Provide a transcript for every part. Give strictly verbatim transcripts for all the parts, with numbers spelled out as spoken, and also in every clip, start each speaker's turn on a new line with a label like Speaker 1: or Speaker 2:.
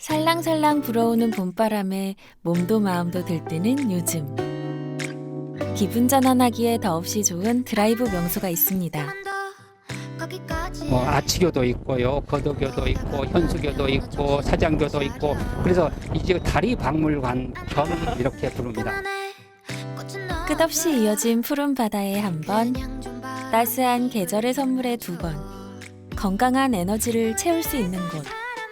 Speaker 1: 살랑살랑 불어오는 봄바람에 몸도 마음도 들뜨는 요즘. 기분 전환하기에 더없이 좋은 드라이브 명소가 있습니다.
Speaker 2: 뭐 아치교도 있고요, 거도교도 있고, 현수교도 있고, 사장교도 있고, 그래서 이제 다리 박물관 겸 이렇게 부릅니다.
Speaker 1: 끝없이 이어진 푸른 바다에 한 번, 따스한 계절의 선물에 두 번, 건강한 에너지를 채울 수 있는 곳.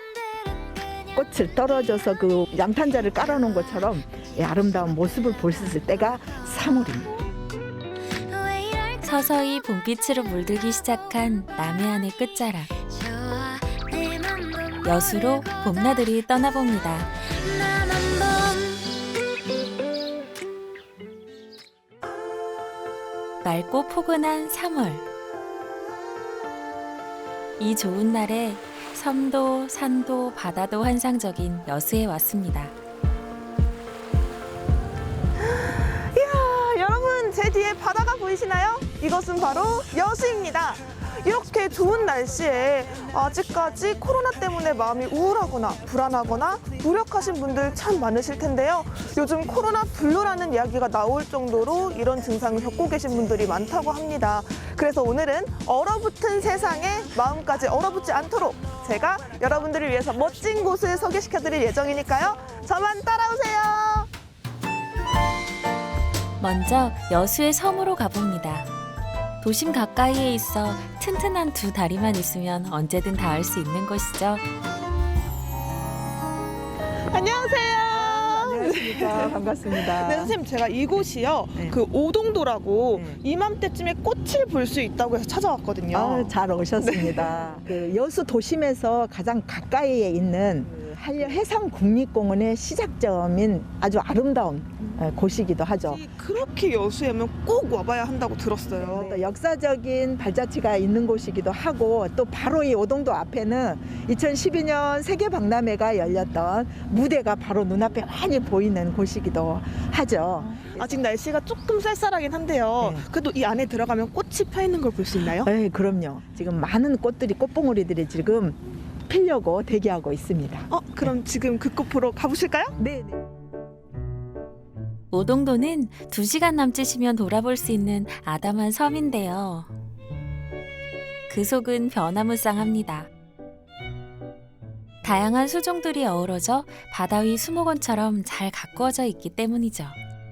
Speaker 3: 꽃을 떨어져서 그 양탄자를 깔아놓은 것처럼 이 아름다운 모습을 볼 수 있을 때가 삼월입니다.
Speaker 1: 서서히 봄빛으로 물들기 시작한 남해안의 끝자락. 여수로 봄나들이 떠나봅니다. 맑고 포근한 삼월. 이 좋은 날에 섬도 산도 바다도 환상적인 여수에 왔습니다.
Speaker 4: 이야, 여러분 제 뒤에 바다가 보이시나요? 이것은 바로 여수입니다. 이렇게 좋은 날씨에 아직까지 코로나 때문에 마음이 우울하거나 불안하거나 무력하신 분들 참 많으실 텐데요. 요즘 코로나 블루라는 이야기가 나올 정도로 이런 증상을 겪고 계신 분들이 많다고 합니다. 그래서 오늘은 얼어붙은 세상에 마음까지 얼어붙지 않도록 제가 여러분들을 위해서 멋진 곳을 소개시켜드릴 예정이니까요. 저만 따라오세요.
Speaker 1: 먼저 여수의 섬으로 가봅니다. 도심 가까이에 있어 튼튼한 두 다리만 있으면 언제든 닿을 수 있는 곳이죠.
Speaker 4: 안녕하세요.
Speaker 3: 안녕하십니까. 반갑습니다.
Speaker 4: 네, 선생님 제가 이곳이요.
Speaker 3: 네.
Speaker 4: 그 오동도라고
Speaker 3: 네.
Speaker 4: 이맘때쯤에 꽃을 볼 수 있다고 해서 찾아왔거든요.
Speaker 3: 아, 잘 오셨습니다. 그 여수 도심에서 가장 가까이에 있는 그 한려 해상국립공원의 시작점인 아주 아름다운 어, 곳이기도 하죠.
Speaker 4: 이 그렇게 여수에면 꼭 와봐야 한다고 들었어요.
Speaker 3: 또 역사적인 발자취가 있는 곳이기도 하고 또 바로 이 오동도 앞에는 이천십이 년 세계박람회가 열렸던 무대가 바로 눈앞에 많이 보이는 곳이기도 하죠.
Speaker 4: 아직 날씨가 조금 쌀쌀하긴 한데요.
Speaker 3: 네.
Speaker 4: 그래도 이 안에 들어가면 꽃이 펴 있는 걸 볼 수 있나요?
Speaker 3: 네, 그럼요. 지금 많은 꽃들이 꽃봉오리들이 지금 피려고 대기하고 있습니다.
Speaker 4: 어, 그럼 지금 그 꽃 보러 가보실까요?
Speaker 3: 네, 네.
Speaker 1: 오동도는 두 시간 남짓이면 돌아볼 수 있는 아담한 섬인데요. 그 속은 변화무쌍합니다. 다양한 수종들이 어우러져 바다 위 수목원처럼 잘 가꾸어져 있기 때문이죠.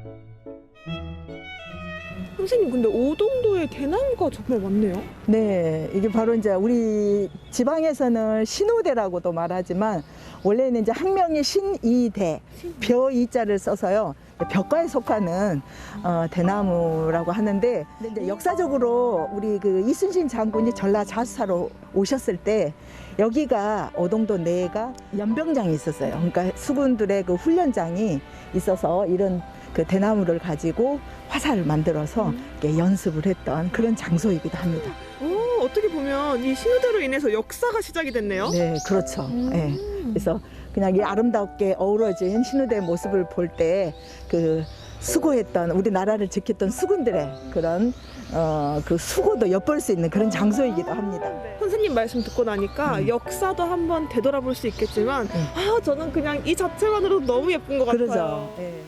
Speaker 4: 선생님, 근데 오동도에 대나무가 정말 많네요.
Speaker 3: 네, 이게 바로 이제 우리 지방에서는 신우대라고도 말하지만 원래는 이제 학명이 신이대, 벼이자를 써서요. 벼과에 속하는 어, 대나무라고 하는데 근데 이제 역사적으로 우리 그 이순신 장군이 전라 자수사로 오셨을 때 여기가 오동도 내가 연병장이 있었어요. 그러니까 수군들의 그 훈련장이 있어서 이런 그 대나무를 가지고 화살을 만들어서 이렇게 연습을 했던 그런 장소이기도 합니다.
Speaker 4: 오, 어떻게 보면 이 신우대로 인해서 역사가 시작이 됐네요.
Speaker 3: 네, 그렇죠.
Speaker 4: 음.
Speaker 3: 네. 그래서 그냥 이 아름답게 어우러진 신우대 모습을 볼 때 그 수고했던 우리 나라를 지켰던 수군들의 그런 어, 그 수고도 엿볼 수 있는 그런 장소이기도 합니다.
Speaker 4: 선생님 말씀 듣고 나니까
Speaker 3: 음.
Speaker 4: 역사도 한번 되돌아볼 수 있겠지만
Speaker 3: 네.
Speaker 4: 아, 저는 그냥 이 자체만으로도 너무 예쁜 것 같아요.
Speaker 3: 그러죠. 네.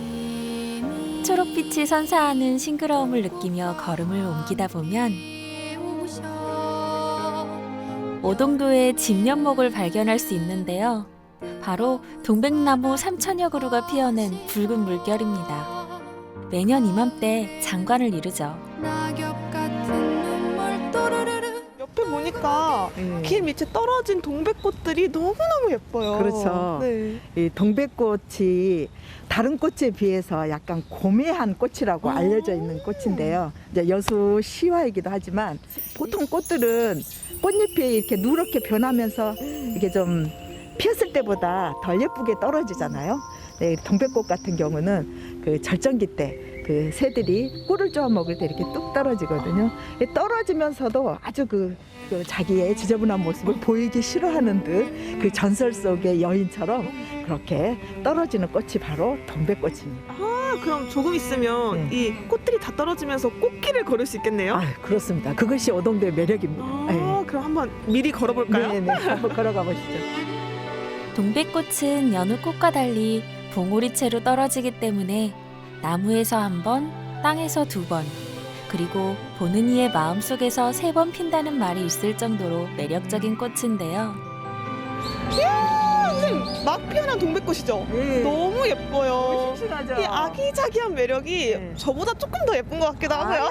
Speaker 1: 초록빛이 선사하는 싱그러움을 느끼며 걸음을 옮기다 보면 오동도의 집연목을 발견할 수 있는데요. 바로 동백나무 삼천여 그루가 피어낸 붉은 물결입니다. 매년 이맘때 장관을 이루죠.
Speaker 4: 옆에 보니까
Speaker 3: 네.
Speaker 4: 길 밑에 떨어진 동백꽃들이 너무너무 예뻐요.
Speaker 3: 그렇죠.
Speaker 4: 네.
Speaker 3: 이 동백꽃이 다른 꽃에 비해서 약간 고매한 꽃이라고
Speaker 4: 오.
Speaker 3: 알려져 있는 꽃인데요. 이제 여수 시화이기도 하지만 보통 꽃들은 꽃잎이 이렇게 누렇게 변하면서 이게 좀 피었을 때보다 덜 예쁘게 떨어지잖아요. 네, 동백꽃 같은 경우는 그 절정기 때 그 새들이 꿀을 쪼아 먹을 때 이렇게 뚝 떨어지거든요. 떨어지면서도 아주 그, 그 자기의 지저분한 모습을 보이기 싫어하는 듯 그 전설 속의 여인처럼 그렇게 떨어지는 꽃이 바로 동백꽃입니다.
Speaker 4: 아, 그럼 조금 있으면
Speaker 3: 네.
Speaker 4: 이 꽃들이 다 떨어지면서 꽃길을 걸을 수 있겠네요.
Speaker 3: 아, 그렇습니다. 그것이 오동도의 매력입니다.
Speaker 4: 아, 그럼 한번 미리 걸어볼까요?
Speaker 3: 네, 네. 한번 걸어가 보시죠.
Speaker 1: 동백꽃은 여느 꽃과 달리 봉오리채로 떨어지기 때문에 나무에서 한 번, 땅에서 두 번, 그리고 보는 이의 마음속에서 세 번 핀다는 말이 있을 정도로 매력적인 꽃인데요.
Speaker 4: 선생님, 막 피어난 동백꽃이죠?
Speaker 3: 네.
Speaker 4: 너무 예뻐요.
Speaker 3: 싱싱하죠.
Speaker 4: 이 아기자기한 매력이
Speaker 3: 네.
Speaker 4: 저보다 조금 더 예쁜 것 같기도 하고요.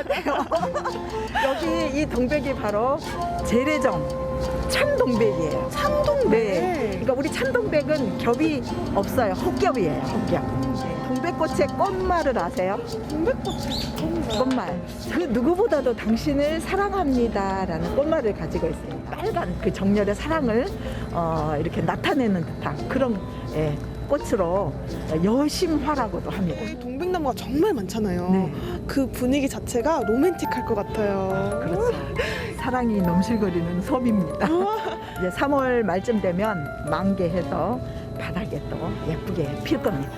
Speaker 3: 여기 이 동백이 바로 재래종 참동백이에요.
Speaker 4: 참동백.
Speaker 3: 네. 그러니까 우리 참동백은 겹이 없어요. 헛겹이에요. 헛겹. 동백꽃의 꽃말을 아세요?
Speaker 4: 동백꽃이 정말.
Speaker 3: 꽃말. 그 누구보다도 당신을 사랑합니다라는 꽃말을 가지고 있습니다. 빨간 그 정열의 사랑을 어, 이렇게 나타내는 듯한 그런 예, 꽃으로 여심화라고도 합니다.
Speaker 4: 동백나무가 정말 많잖아요.
Speaker 3: 네.
Speaker 4: 그 분위기 자체가 로맨틱할 것 같아요.
Speaker 3: 그렇죠. 사랑이 넘실거리는 섬입니다. 이제 삼월 말쯤 되면 만개해서 바닥에 또 예쁘게 필 겁니다.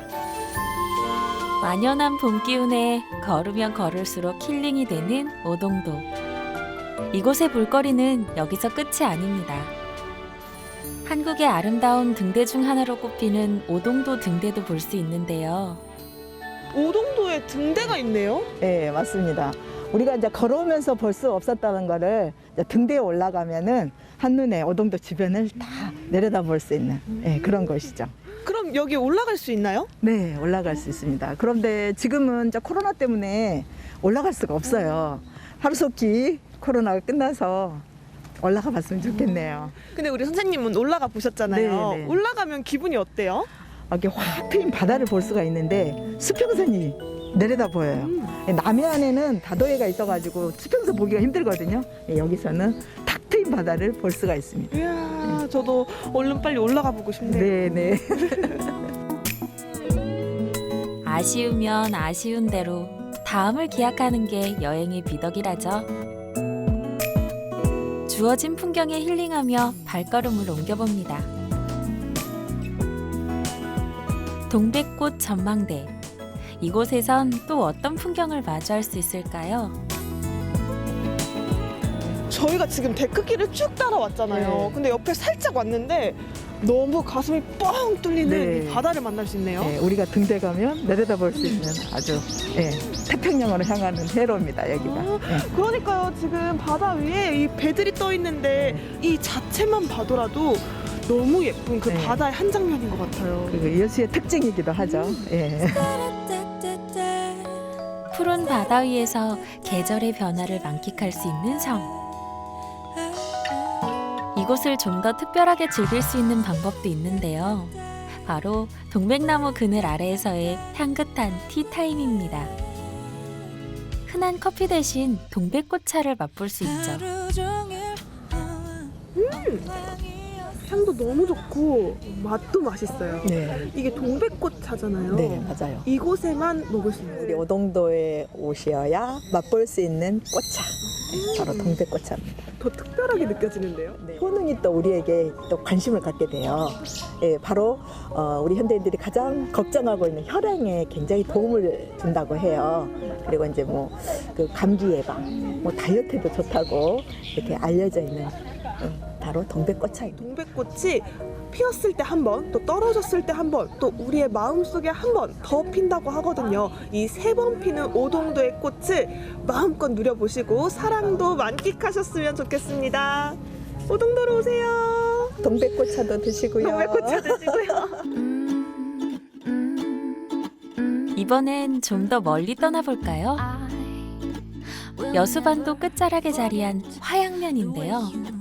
Speaker 1: 완연한 봄 기운에 걸으면 걸을수록 힐링이 되는 오동도. 이곳의 볼거리는 여기서 끝이 아닙니다. 한국의 아름다운 등대 중 하나로 꼽히는 오동도 등대도 볼 수 있는데요.
Speaker 4: 오동도에 등대가 있네요.
Speaker 3: 네, 맞습니다. 우리가 이제 걸어오면서 볼 수 없었다는 거를 이제 등대에 올라가면은 한눈에 오동도 주변을 다 내려다 볼 수 있는 예, 그런 것이죠.
Speaker 4: 그럼 여기 올라갈 수 있나요?
Speaker 3: 네, 올라갈 수 있습니다. 그런데 지금은 이제 코로나 때문에 올라갈 수가 없어요. 하루속히 코로나가 끝나서 올라가 봤으면 좋겠네요.
Speaker 4: 근데 우리 선생님은 올라가 보셨잖아요.
Speaker 3: 네, 네.
Speaker 4: 올라가면 기분이 어때요?
Speaker 3: 이렇게 확 트인 바다를 볼 수가 있는데 수평선이 내려다 보여요. 남해안에는 다도해가 있어가지고 수평선 보기가 힘들거든요. 여기서는 탁 트인 바다를 볼 수가 있습니다.
Speaker 4: 이야, 저도 얼른 빨리 올라가 보고 싶네요.
Speaker 3: 네, 네.
Speaker 1: 아쉬우면 아쉬운 대로 다음을 기약하는 게 여행의 미덕이라죠. 주어진 풍경에 힐링하며 발걸음을 옮겨봅니다. 동백꽃 전망대. 이곳에선 또 어떤 풍경을 마주할 수 있을까요?
Speaker 4: 저희가 지금 데크길을 쭉 따라왔잖아요.
Speaker 3: 네.
Speaker 4: 근데 옆에 살짝 왔는데 너무 가슴이 뻥 뚫리는
Speaker 3: 네.
Speaker 4: 이 바다를 만날 수 있네요.
Speaker 3: 네, 우리가 등대 가면 내려다 볼 수 있는 아주 예, 태평양으로 향하는 회로입니다. 여기가.
Speaker 4: 아,
Speaker 3: 예.
Speaker 4: 그러니까요. 지금 바다 위에 이 배들이 떠 있는데 이 자체만 봐도라도 너무 예쁜 그
Speaker 3: 네.
Speaker 4: 바다의 한 장면인 것 같아요.
Speaker 3: 그 여수의 특징이기도 하죠. 예.
Speaker 1: 푸른 바다 위에서 계절의 변화를 만끽할 수 있는 섬. 이곳을 좀 더 특별하게 즐길 수 있는 방법도 있는데요. 바로 동백나무 그늘 아래에서의 향긋한 티타임입니다. 흔한 커피 대신 동백꽃차를 맛볼 수 있죠.
Speaker 4: 향도 너무 좋고 맛도 맛있어요.
Speaker 3: 네.
Speaker 4: 이게 동백꽃 차잖아요.
Speaker 3: 네, 맞아요.
Speaker 4: 이곳에만 먹을 수
Speaker 3: 우리
Speaker 4: 있는.
Speaker 3: 오동도에 오셔야 맛볼 수 있는 꽃차. 네, 바로 동백꽃차입니다.
Speaker 4: 더 특별하게 느껴지는데요.
Speaker 3: 네. 효능이 또 우리에게 또 관심을 갖게 돼요. 예, 바로 어, 우리 현대인들이 가장 걱정하고 있는 혈행에 굉장히 도움을 준다고 해요. 그리고 이제 뭐 그 감기 예방, 뭐 다이어트에도 좋다고 이렇게 알려져 있는 예, 바로 동백꽃차입니다.
Speaker 4: 동백꽃이 피었을 때 한 번, 또 떨어졌을 때 한 번, 또 우리의 마음속에 한 번 더 핀다고 하거든요. 이 세 번 피는 오동도의 꽃을 마음껏 누려보시고 사랑도 만끽하셨으면 좋겠습니다. 오동도로 오세요.
Speaker 3: 동백꽃차도 드시고요.
Speaker 4: 동백꽃차 드시고요.
Speaker 1: 이번엔 좀 더 멀리 떠나볼까요? 여수반도 끝자락에 자리한 화양면인데요.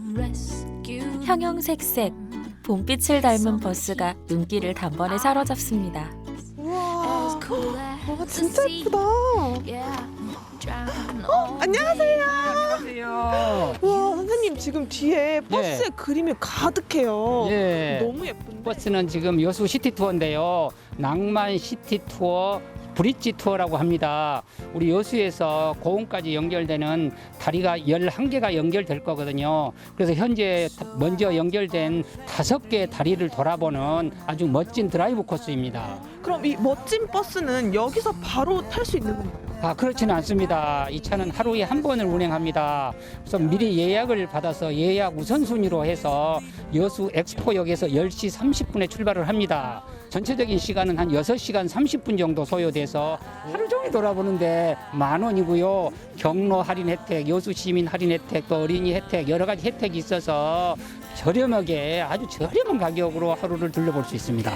Speaker 1: 형형색색 봄빛을 닮은 버스가 눈길을 단번에 사로잡습니다.
Speaker 4: 우와, 와, 진짜 예쁘다. 어, 안녕하세요.
Speaker 2: 안녕하세요.
Speaker 4: 와, 선생님 지금 뒤에 버스에 그림이 가득해요.
Speaker 2: 예.
Speaker 4: 너무 예쁜데.
Speaker 2: 버스는 지금 여수 시티 투어인데요. 낭만 시티 투어, 브릿지 투어라고 합니다. 우리 여수에서 고흥까지 연결되는 다리가 열한 개가 연결될 거거든요. 그래서 현재 먼저 연결된 다섯 개의 다리를 돌아보는 아주 멋진 드라이브 코스입니다.
Speaker 4: 그럼 이 멋진 버스는 여기서 바로 탈 수 있는 건가요?
Speaker 2: 아, 그렇지는 않습니다. 이 차는 하루에 한 번을 운행합니다. 그래서 미리 예약을 받아서 예약 우선순위로 해서 여수 엑스포역에서 열 시 삼십 분에 출발을 합니다. 전체적인 시간은 한 여섯 시간 삼십 분 정도 소요돼서 하루 종일 돌아보는데 만 원이고요. 경로 할인 혜택, 여수 시민 할인 혜택, 또 어린이 혜택, 여러 가지 혜택이 있어서 저렴하게 아주 저렴한 가격으로 하루를 둘러볼 수 있습니다.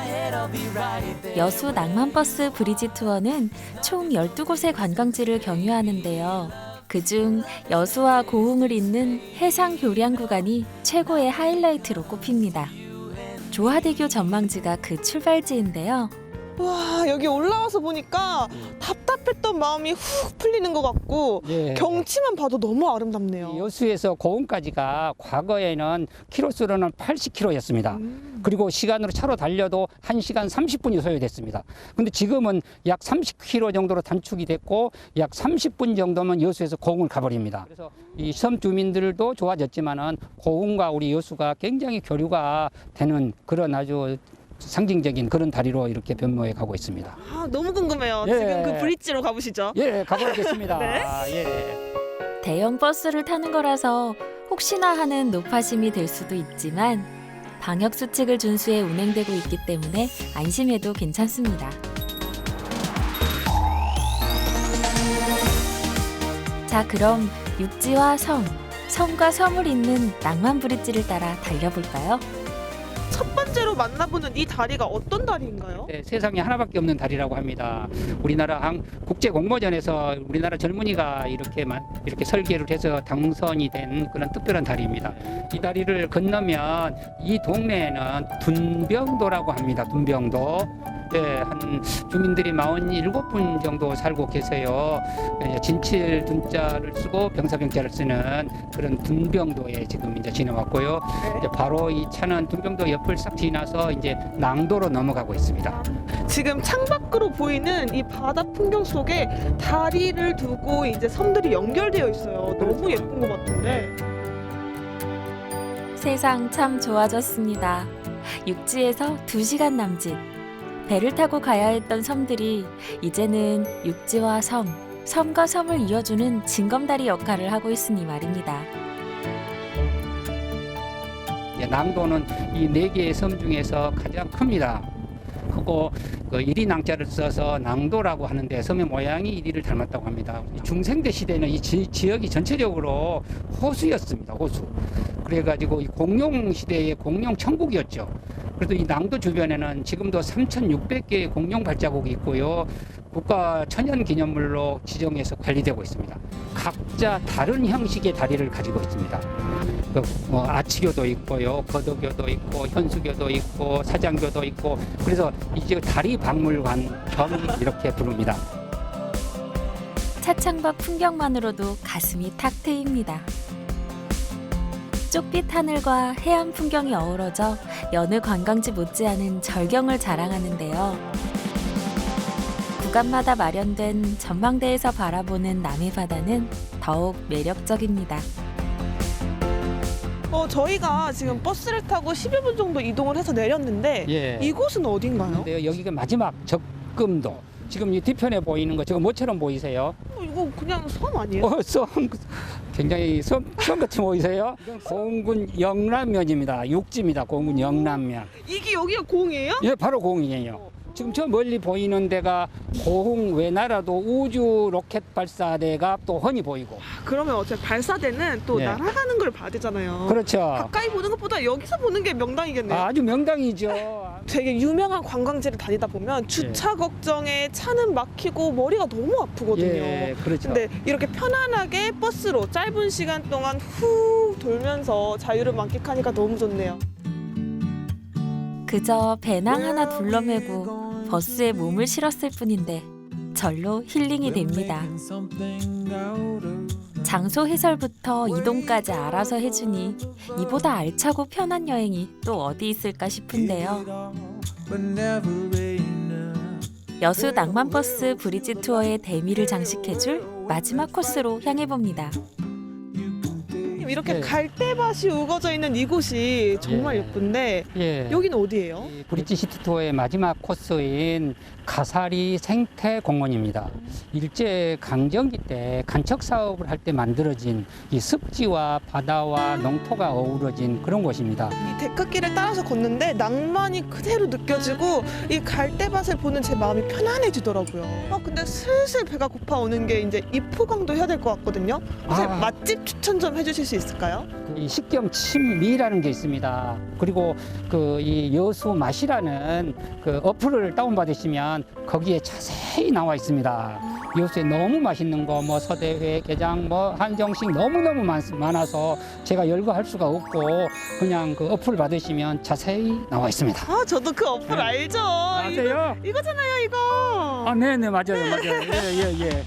Speaker 1: 여수 낭만버스 브리지 투어는 총 열두 곳의 관광지를 경유하는데요. 그중 여수와 고흥을 잇는 해상 교량 구간이 최고의 하이라이트로 꼽힙니다. 조화대교 전망지가 그 출발지인데요.
Speaker 4: 와, 여기 올라와서 보니까 답답했던 마음이 훅 풀리는 것 같고
Speaker 2: 예.
Speaker 4: 경치만 봐도 너무 아름답네요.
Speaker 2: 여수에서 고흥까지가 과거에는 키로수로는 팔십 킬로미터였습니다.
Speaker 4: 음.
Speaker 2: 그리고 시간으로 차로 달려도 한 시간 삼십 분이 소요됐습니다. 근데 지금은 약 삼십 킬로미터 정도로 단축이 됐고 약 삼십 분 정도면 여수에서 고흥을 가버립니다. 그래서 이 섬 주민들도 좋아졌지만은 고흥과 우리 여수가 굉장히 교류가 되는 그런 아주 상징적인 그런 다리로 이렇게 변모해 가고 있습니다.
Speaker 4: 아, 너무 궁금해요.
Speaker 2: 예.
Speaker 4: 지금 그 브릿지로 가보시죠.
Speaker 2: 예, 가보겠습니다.
Speaker 4: 네.
Speaker 2: 아, 예.
Speaker 1: 대형 버스를 타는 거라서 혹시나 하는 노파심이 될 수도 있지만 방역 수칙을 준수해 운행되고 있기 때문에 안심해도 괜찮습니다. 자, 그럼 육지와 섬, 섬과 섬을 잇는 낭만 브릿지를 따라 달려볼까요?
Speaker 4: 첫 번째로 만나보는 이 다리가 어떤 다리인가요?
Speaker 2: 네, 세상에 하나밖에 없는 다리라고 합니다. 우리나라 항 국제 공모전에서 우리나라 젊은이가 이렇게만 이렇게 설계를 해서 당선이 된 그런 특별한 다리입니다. 이 다리를 건너면 이 동네에는 둔병도라고 합니다. 둔병도. 네, 한 주민들이 사십칠 분 정도 살고 계세요. 진칠 둔자를 쓰고 병사병자를 쓰는 그런 둔병도에 지금 이제 지나왔고요. 이제 바로 이 차는 둔병도 옆을 싹 지나서 이제 낭도로 넘어가고 있습니다.
Speaker 4: 지금 창밖으로 보이는 이 바다 풍경 속에 다리를 두고 이제 섬들이 연결되어 있어요. 너무 예쁜 것 같은데.
Speaker 1: 세상 참 좋아졌습니다. 육지에서 두 시간 남짓. 배를 타고 가야 했던 섬들이 이제는 육지와 섬, 섬과 섬을 이어주는 징검다리 역할을 하고 있으니 말입니다.
Speaker 2: 낭도는 이 네 개의 섬 중에서 가장 큽니다. 크고 그 이리 낭자를 써서 낭도라고 하는데 섬의 모양이 이리를 닮았다고 합니다. 중생대 시대는 이 지, 지역이 전체적으로 호수였습니다. 호수. 그래가지고 이 공룡 시대의 공룡 천국이었죠. 그래도 이 낭도 주변에는 지금도 삼천육백 개의 공룡 발자국이 있고요. 국가 천연기념물로 지정해서 관리되고 있습니다. 각자 다른 형식의 다리를 가지고 있습니다. 그, 뭐, 아치교도 있고요, 거도교도 있고, 현수교도 있고, 사장교도 있고, 그래서 이제 다리 박물관 겸 이렇게 부릅니다.
Speaker 1: 차창밖 풍경만으로도 가슴이 탁 트입니다. 쪽빛 하늘과 해안 풍경이 어우러져 여느 관광지 못지않은 절경을 자랑하는데요. 구간마다 마련된 전망대에서 바라보는 남해 바다는 더욱 매력적입니다.
Speaker 4: 어, 저희가 지금 버스를 타고 십여 분 정도 이동을 해서 내렸는데
Speaker 2: 예.
Speaker 4: 이곳은 어딘가요?
Speaker 2: 근데요, 여기가 마지막 적금도. 지금 이 뒤편에 보이는 거 저거 뭐처럼 보이세요?
Speaker 4: 어, 이거 그냥 섬 아니에요?
Speaker 2: 어, 섬 굉장히 섬, 섬 같이 보이세요? 이건 고흥군 영남면입니다. 육지입니다. 고흥군 영남면.
Speaker 4: 이게 여기가 공이에요?
Speaker 2: 예, 바로 고흥이에요. 지금 저 멀리 보이는 데가 고흥 외나라도 우주 로켓 발사대가 또 훤히 보이고.
Speaker 4: 그러면 어차피 발사대는 또
Speaker 2: 예.
Speaker 4: 날아가는 걸 봐야 되잖아요.
Speaker 2: 그렇죠.
Speaker 4: 가까이 보는 것보다 여기서 보는 게 명당이겠네요.
Speaker 2: 아주 명당이죠.
Speaker 4: 되게 유명한 관광지를 다니다 보면 주차 걱정에 차는 막히고 머리가 너무 아프거든요.
Speaker 2: 예, 그렇죠.
Speaker 4: 근데 이렇게 편안하게 버스로 짧은 시간 동안 후 돌면서 자유를 만끽하니까 너무 좋네요.
Speaker 1: 그저 배낭 하나 둘러매고 버스에 몸을 실었을 뿐인데 절로 힐링이 됩니다. 장소 해설부터 이동까지 알아서 해주니 이보다 알차고 편한 여행이 또 어디 있을까 싶은데요. 여수 낭만버스 브리지 투어의 대미를 장식해줄 마지막 코스로 향해봅니다.
Speaker 4: 선생님 이렇게
Speaker 2: 네.
Speaker 4: 갈대밭이 우거져 있는 이곳이 정말
Speaker 2: 예.
Speaker 4: 예쁜데
Speaker 2: 예.
Speaker 4: 여기는 어디예요?
Speaker 2: 이 브릿지 시티 투어의 마지막 코스인 가사리 생태 공원입니다. 일제 강점기 때 간척 사업을 할 때 만들어진 이 습지와 바다와 농토가 어우러진 그런 곳입니다.
Speaker 4: 이 데크길을 따라서 걷는데 낭만이 그대로 느껴지고 이 갈대밭을 보는 제 마음이 편안해지더라고요. 아 근데 슬슬 배가 고파오는 게 이제 입후광도 해야 될 것 같거든요. 선생님
Speaker 2: 아.
Speaker 4: 맛집 추천 좀 해주실 수 있을까요?
Speaker 2: 이 식경 친미라는 게 있습니다. 그리고 그 이 여수 맛이라는 그 어플을 다운받으시면 거기에 자세히 나와 있습니다. 여수에 너무 맛있는 거, 뭐 서대회, 게장, 뭐 한정식 너무너무 많, 많아서 제가 열거할 수가 없고 그냥 그 어플 받으시면 자세히 나와 있습니다.
Speaker 4: 아 저도 그 어플 알죠.
Speaker 2: 아세요?
Speaker 4: 이거, 이거잖아요 이거.
Speaker 2: 아, 네네, 맞아요, 맞아요. 예, 예, 예.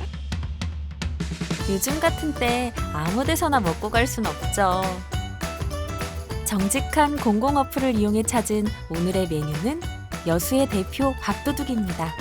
Speaker 1: 요즘 같은 때 아무 데서나 먹고 갈 순 없죠. 정직한 공공 어플을 이용해 찾은 오늘의 메뉴는 여수의 대표 밥도둑입니다.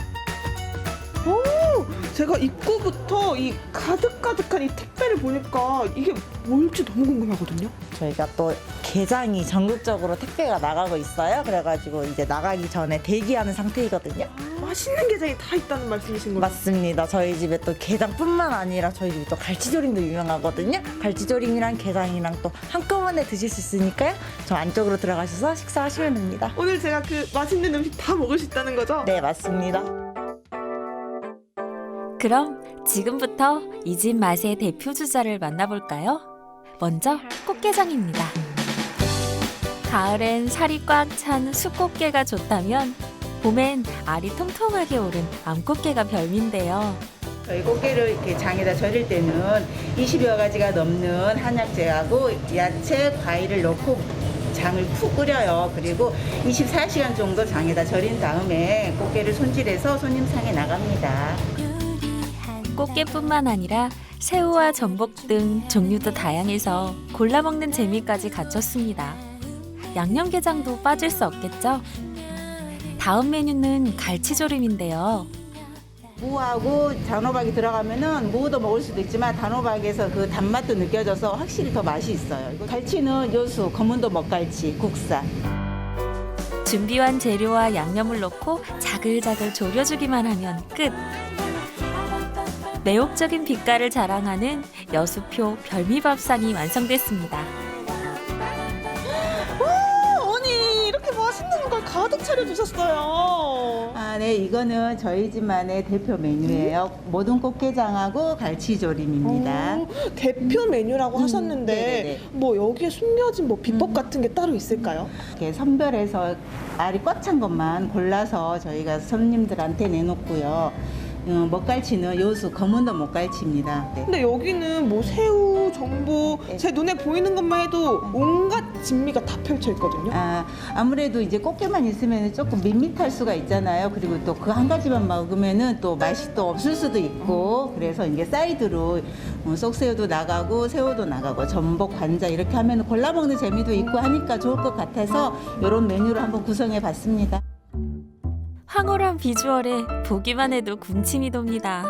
Speaker 4: 제가 입구부터 이 가득가득한 이 택배를 보니까 이게 뭘지 너무 궁금하거든요.
Speaker 5: 저희가 또 게장이 전국적으로 택배가 나가고 있어요. 그래가지고 이제 나가기 전에 대기하는 상태이거든요.
Speaker 4: 맛있는 게장이 다 있다는 말씀이신 거죠?
Speaker 5: 맞습니다. 저희 집에 또 게장뿐만 아니라 저희 집에 또 갈치조림도 유명하거든요. 갈치조림이랑 게장이랑 또 한꺼번에 드실 수 있으니까요. 저 안쪽으로 들어가셔서 식사하시면 됩니다.
Speaker 4: 오늘 제가 그 맛있는 음식 다 먹을 수 있다는 거죠?
Speaker 5: 네, 맞습니다.
Speaker 1: 그럼 지금부터 이 집 맛의 대표 주자를 만나볼까요? 먼저 꽃게장입니다. 가을엔 살이 꽉 찬 숫꽃게가 좋다면 봄엔 알이 통통하게 오른 암꽃게가 별미인데요.
Speaker 6: 저희 꽃게를 이렇게 장에다 절일 때는 이십여 가지가 넘는 한약재하고 야채, 과일을 넣고 장을 푹 끓여요. 그리고 이십사 시간 정도 장에다 절인 다음에 꽃게를 손질해서 손님상에 나갑니다.
Speaker 1: 꽃게뿐만 아니라 새우와 전복 등 종류도 다양해서 골라 먹는 재미까지 갖췄습니다. 양념게장도 빠질 수 없겠죠? 다음 메뉴는 갈치조림인데요.
Speaker 6: 무하고 단호박이 들어가면은 무도 먹을 수도 있지만 단호박에서 그 단맛도 느껴져서 확실히 더 맛이 있어요. 이거 갈치는 여수 검은도 먹갈치 국산.
Speaker 1: 준비한 재료와 양념을 넣고 자글자글 졸여주기만 하면 끝! 매혹적인 빛깔을 자랑하는 여수표 별미밥상이 완성됐습니다.
Speaker 4: 아니 이렇게 맛있는 걸 가득 차려주셨어요.
Speaker 6: 아, 네, 이거는 저희 집만의 대표 메뉴예요. 모든 꽃게장하고 갈치조림입니다.
Speaker 4: 오, 대표 메뉴라고
Speaker 6: 음,
Speaker 4: 하셨는데
Speaker 6: 네네네.
Speaker 4: 뭐 여기에 숨겨진 뭐 비법 같은 게 따로 있을까요?
Speaker 6: 이렇게 선별해서 알이 꽉 찬 것만 골라서 저희가 손님들한테 내놓고요. 어, 먹갈치는 여수 검은도 먹갈치입니다. 네.
Speaker 4: 근데 여기는 뭐 새우, 전복,
Speaker 6: 네.
Speaker 4: 제 눈에 보이는 것만 해도 온갖 진미가 다 펼쳐 있거든요.
Speaker 6: 아, 아무래도 이제 꽃게만 있으면 조금 밋밋할 수가 있잖아요. 그리고 또 그 한 가지만 먹으면은 또 맛이 또 없을 수도 있고, 그래서 이게 사이드로 어, 쏙새우도 나가고 새우도 나가고 전복, 관자 이렇게 하면 골라 먹는 재미도 있고 하니까 좋을 것 같아서 이런 메뉴를 한번 구성해 봤습니다.
Speaker 1: 황홀한 비주얼에 보기만 해도 군침이 돕니다.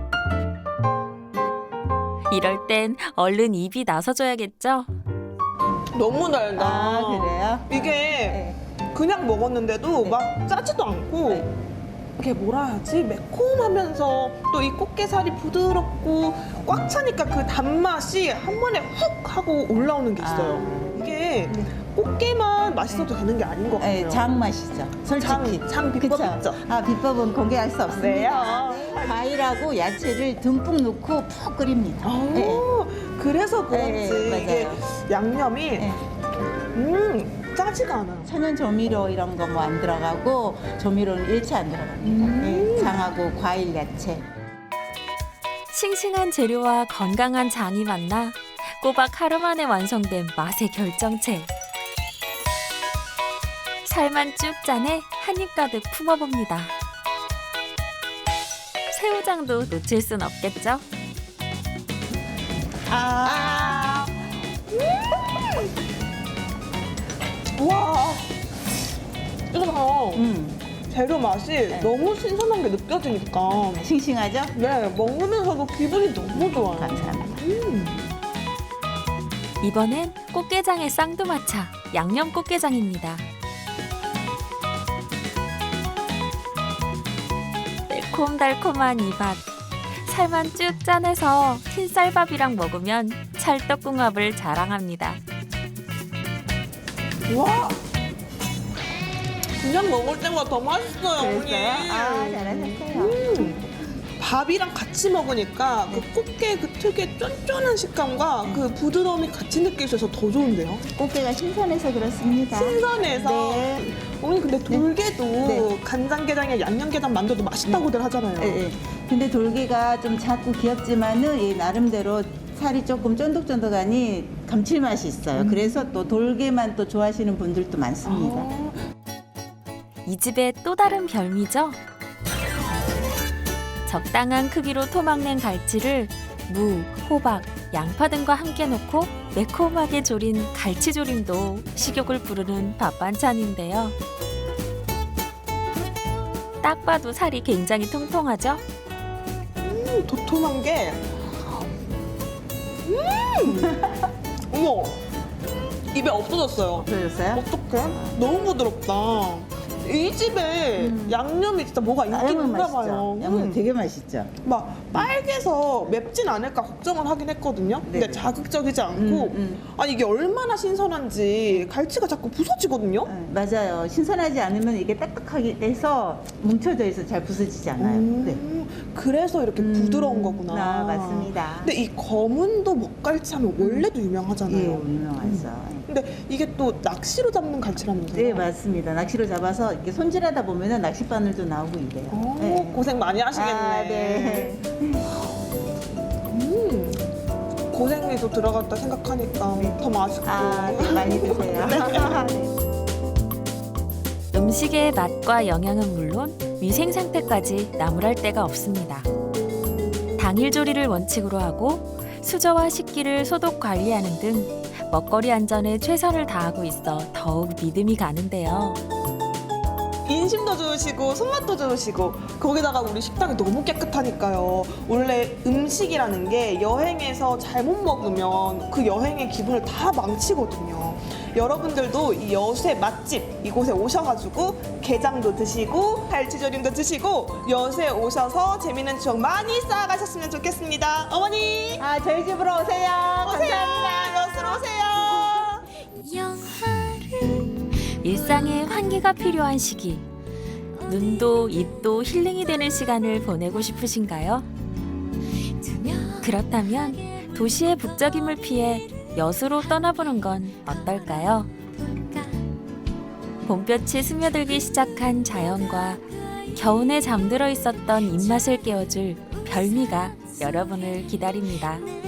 Speaker 1: 이럴 땐 얼른 입이 나서줘야겠죠?
Speaker 4: 너무 달다.
Speaker 6: 아, 그래요?
Speaker 4: 이게
Speaker 6: 네.
Speaker 4: 그냥 먹었는데도
Speaker 6: 네.
Speaker 4: 막 짜지도 않고
Speaker 6: 네.
Speaker 4: 이게 뭐라 해야지 매콤하면서 또 이 꽃게살이 부드럽고 꽉 차니까 그 단맛이 한 번에 훅 하고 올라오는 게 있어요. 이게 꽃게만 맛있어도 되는 게 아닌 것 같아요.
Speaker 6: 네, 장 맛이죠. 솔직히.
Speaker 4: 장, 장 비법
Speaker 6: 그쵸?
Speaker 4: 있죠?
Speaker 6: 아, 비법은 공개할 수 없습니다.
Speaker 4: 네.
Speaker 6: 과일하고 야채를 듬뿍 넣고 푹 끓입니다.
Speaker 4: 아,
Speaker 6: 네.
Speaker 4: 그래서 그런지
Speaker 6: 네,
Speaker 4: 이게
Speaker 6: 맞아요.
Speaker 4: 양념이
Speaker 6: 네.
Speaker 4: 음 짜지가 않아요.
Speaker 6: 천연 조미료 이런 거 뭐 안 들어가고 조미료는 일체 안 들어갑니다.
Speaker 4: 음.
Speaker 6: 네, 장하고 과일, 야채.
Speaker 1: 싱싱한 재료와 건강한 장이 만나 꼬박 하루 만에 완성된 맛의 결정체. 살만 쭉 짜내 한 입 가득 품어봅니다. 새우장도 놓칠 순 없겠죠?
Speaker 4: 아. 음. 와. 이거 봐.
Speaker 6: 음,
Speaker 4: 재료 맛이 너무 신선한 게 느껴지니까
Speaker 6: 싱싱하죠?
Speaker 4: 네 먹으면서도 기분이 너무 좋아요.
Speaker 6: 감사합니다.
Speaker 4: 음.
Speaker 1: 이번엔 꽃게장의 쌍두마차 양념 꽃게장입니다. 달콤달콤한 이 밥, 살만 쭉 짜내서 흰쌀밥이랑 먹으면 찰떡궁합을 자랑합니다.
Speaker 4: 와! 그냥 먹을 때보다 더 맛있어요, 어머니.
Speaker 6: 그랬어요? 아, 잘하셨어요.
Speaker 4: 음, 밥이랑 같이 먹으니까 그 꽃게 그 특유의 쫀쫀한 식감과 그 부드러움이 같이 느껴져서 더 좋은데요.
Speaker 6: 꽃게가 신선해서 그렇습니다.
Speaker 4: 신선해서.
Speaker 6: 네.
Speaker 4: 어머니 근데 돌게도
Speaker 6: 네.
Speaker 4: 간장게장이나 양념게장 만들어도 맛있다고들 하잖아요.
Speaker 6: 예, 예. 근데 돌게가 좀 작고 귀엽지만은 이 나름대로 살이 조금 쫀득쫀득하니 감칠맛이 있어요.
Speaker 4: 음.
Speaker 6: 그래서 또 돌게만 또 좋아하시는 분들도 많습니다.
Speaker 4: 아,
Speaker 1: 이 집의 또 다른 별미죠? 적당한 크기로 토막낸 갈치를 무, 호박, 양파 등과 함께 넣고 매콤하게 조린 갈치조림도 식욕을 부르는 밥 반찬인데요. 딱 봐도 살이 굉장히 통통하죠?
Speaker 4: 음, 도톰한 게. 음! 어머! 입에 없어졌어요.
Speaker 6: 없어졌어요?
Speaker 4: 어떡해? 너무 부드럽다. 이 집에
Speaker 6: 음.
Speaker 4: 양념이 진짜 뭐가 있긴
Speaker 6: 양념
Speaker 4: 있나
Speaker 6: 맛있죠?
Speaker 4: 봐요.
Speaker 6: 양념
Speaker 4: 음.
Speaker 6: 되게 맛있죠?
Speaker 4: 막 빨개서 맵진 않을까 걱정을 하긴 했거든요. 근데
Speaker 6: 네네.
Speaker 4: 자극적이지 않고
Speaker 6: 음, 음.
Speaker 4: 아니 이게 얼마나 신선한지 갈치가 자꾸 부서지거든요.
Speaker 6: 네, 맞아요. 신선하지 않으면 이게 딱딱하게 돼서 뭉쳐져 있어 잘 부서지지 않아요.
Speaker 4: 음,
Speaker 6: 네.
Speaker 4: 그래서 이렇게
Speaker 6: 음,
Speaker 4: 부드러운 거구나.
Speaker 6: 아, 맞습니다.
Speaker 4: 근데 이 검은도 먹갈치 하면 원래도
Speaker 6: 예,
Speaker 4: 유명하잖아요.
Speaker 6: 유명하죠.
Speaker 4: 근데 이게 또 낚시로 잡는 갈치라면서요?
Speaker 6: 네, 맞습니다. 낚시로 잡아서 이렇게 손질하다 보면은 낚시 바늘도 나오고 이래요.
Speaker 4: 오,
Speaker 6: 네.
Speaker 4: 고생 많이 하시겠네.
Speaker 6: 아, 네.
Speaker 4: 음, 고생이 또 들어갔다 생각하니까 더 맛있고.
Speaker 6: 아, 네, 많이 드세요.
Speaker 1: 음식의 맛과 영양은 물론 위생 상태까지 나무랄 데가 없습니다. 당일 조리를 원칙으로 하고 수저와 식기를 소독 관리하는 등 먹거리 안전에 최선을 다하고 있어 더욱 믿음이 가는데요.
Speaker 4: 인심도 좋으시고 손맛도 좋으시고 거기다가 우리 식당이 너무 깨끗하니까요. 원래 음식이라는 게 여행에서 잘못 먹으면 그 여행의 기분을 다 망치거든요. 여러분들도 이 여수의 맛집 이곳에 오셔가지고 게장도 드시고 갈치조림도 드시고 여수에 오셔서 재밌는 추억 많이 쌓아가셨으면 좋겠습니다. 어머니
Speaker 6: 아, 저희 집으로 오세요.
Speaker 4: 오세요.
Speaker 6: 감사합니다.
Speaker 4: 여수로 오세요.
Speaker 1: 일상에 환기가 필요한 시기. 눈도 입도 힐링이 되는 시간을 보내고 싶으신가요? 그렇다면 도시의 북적임을 피해 여수로 떠나보는 건 어떨까요? 봄볕이 스며들기 시작한 자연과 겨우내 잠들어 있었던 입맛을 깨워줄 별미가 여러분을 기다립니다.